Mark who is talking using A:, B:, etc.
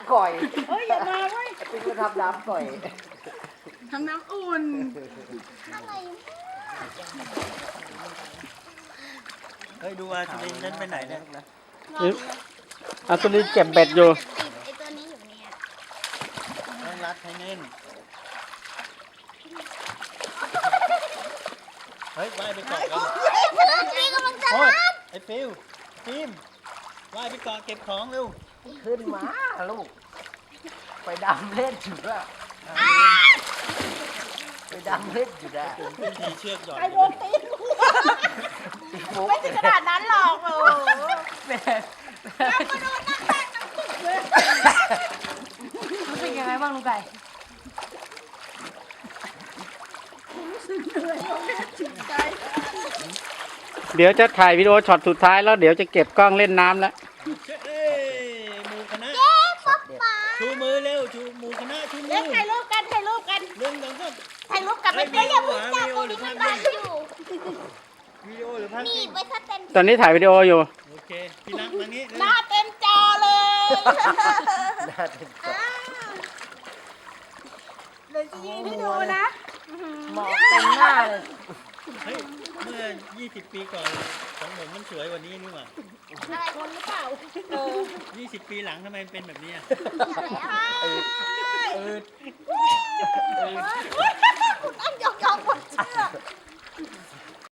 A: ก่อย
B: เฮ้ยอย่ามาเว้ย
A: ไอ้ปิ๊กก็ทำน้ำก่อย
B: ทำน้ำอุ่น
C: อะไร
D: เฮ้ยดูว่าสุรินทร์นั้นไปไหนเนี่ย
E: อาตุลีเก็บเบ็ดอยู่
C: ติดไอตัวนี้อยู่เนี่ย
D: ต้องรัดให้แน่นเฮ้ยว่ายไปเกาะกัน
C: พี่กำลังจะ
D: โอ้ยไอ้ฟิวฟิล์มว่ายไปเกาะเก็บของเร็ว
A: ขึ้นมาลูก ไปดำเล่นอยู่ละไปดำเล่นอยู่ละ
D: ผมขึ้นทีเชือกหย่อน
B: ไอโดนตีนกู
A: ไม่
B: ไม่ถึงขนาดนั้นหรอกโอ้
A: แม่
B: รู้สึกยังไงบ้างลุงไก่
E: เดี๋ยวจะถ่ายวิดีโอช็อตสุดท้ายแล้วเดี๋ยวจะเก็บกล้องเล่นน้ำแล้ว
D: เอ้ยหมูคณะชูมือเร็วชูหมูคณะชูมื
B: เล่น
D: อ
B: ถ่ายรูปกันถ่ายรูปกัน
D: หนึ่งสองสาม
B: ถ่ายรูปกับ
D: เฮ้
B: ไม่
D: ย
B: เพื่อนอย่า
D: วิ
B: เพิ่ง
D: ดี
B: จับ
D: โอ
B: กู
D: หรือ
B: นี่
D: ภาพ
B: มัน
D: นิ่ง
B: บ้านอยู่
D: วิดีโอหรือภาพนิ่ง
C: ไปถ้าเต็ม
E: ตอนนี้ถ่ายวิดีโออยู่
D: โอเคพี่นักมานี้
B: หน้าเต็มจอเลย
A: น่าเต็มจอ
B: เดี๋ยวจะยิงให้ดูนะ
A: หมอกเต็มหน้าเลย
D: เฮ้ยเมื่อ 20 ปีก่อนของผมมันสวยกว่านี้นี่หว่า
B: อะไรคนหรือเปล่า
D: 20 ปีหลังทำไมมันเป็นแบบนี้อะ
B: ต้องยกยอมคนเชื่อ